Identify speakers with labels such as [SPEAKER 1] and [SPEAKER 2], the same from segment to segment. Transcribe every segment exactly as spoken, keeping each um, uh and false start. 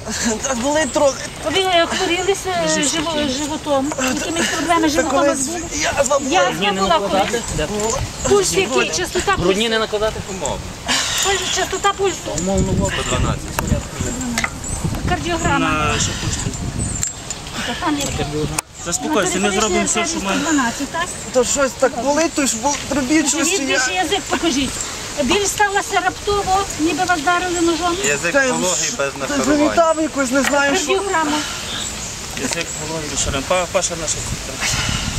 [SPEAKER 1] Так болить трохи.
[SPEAKER 2] Ви хворіли животом? Якимись проблеми животом у вас були?
[SPEAKER 1] Язва була.
[SPEAKER 2] Язва була колись? Пульс який? Частота пульсу?
[SPEAKER 3] Брудні не накладати помогу.
[SPEAKER 2] Частота пульсу?
[SPEAKER 3] сто дванадцять.
[SPEAKER 2] Кардіограма? Та там є.
[SPEAKER 4] Заспокойся, ми зробимо все, що ми...
[SPEAKER 2] дванадцять, так?
[SPEAKER 1] То щось так болить, то ж робіть щось.
[SPEAKER 2] Скажіть, більше язик покажіть. Біль сталася раптово, ніби вас вдарили ножом.
[SPEAKER 3] Язик вологий без нахарування.
[SPEAKER 1] Завітав якось, не знаю, що.
[SPEAKER 2] Кардіограма.
[SPEAKER 4] Язик голови до шарем. Паша наша цукор.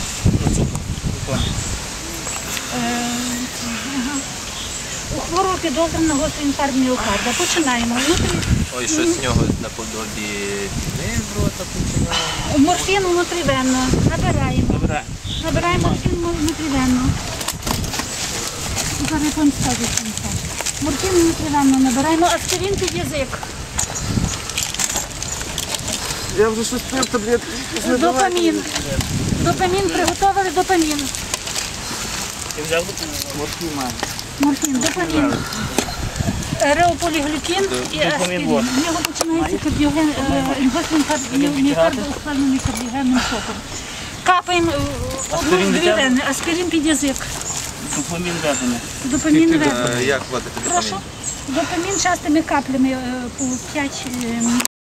[SPEAKER 2] У хворого підозрюваного гострий інфаркт міокарда. Починаємо. Внутрі
[SPEAKER 3] Ой, щось з нього наподобі діни з рота починає.
[SPEAKER 2] морфін внутрівенно. Набираємо.
[SPEAKER 4] Добре.
[SPEAKER 2] Набираємо морфін внутрівенно. Зараз я вам скажу, що це. Морфін внутрівенно набираємо. Аспірин під язик.
[SPEAKER 1] Я вже щось пив таблетки.
[SPEAKER 2] Допамін. Допамін. Приготували допамін.
[SPEAKER 4] Ти взяв?
[SPEAKER 2] Морфін, допамін. Реополіглюкін і аспірин. В нього починається кардіоген, гострий інфаркт міокарда, ускладнений кардіогенним шоком. Капаємо одну-дві вени, аспірин під язик.
[SPEAKER 4] Допомін введений.
[SPEAKER 2] Допамін введений.
[SPEAKER 3] Як вводити?
[SPEAKER 2] Прошу. Допамін частими каплями по п'ять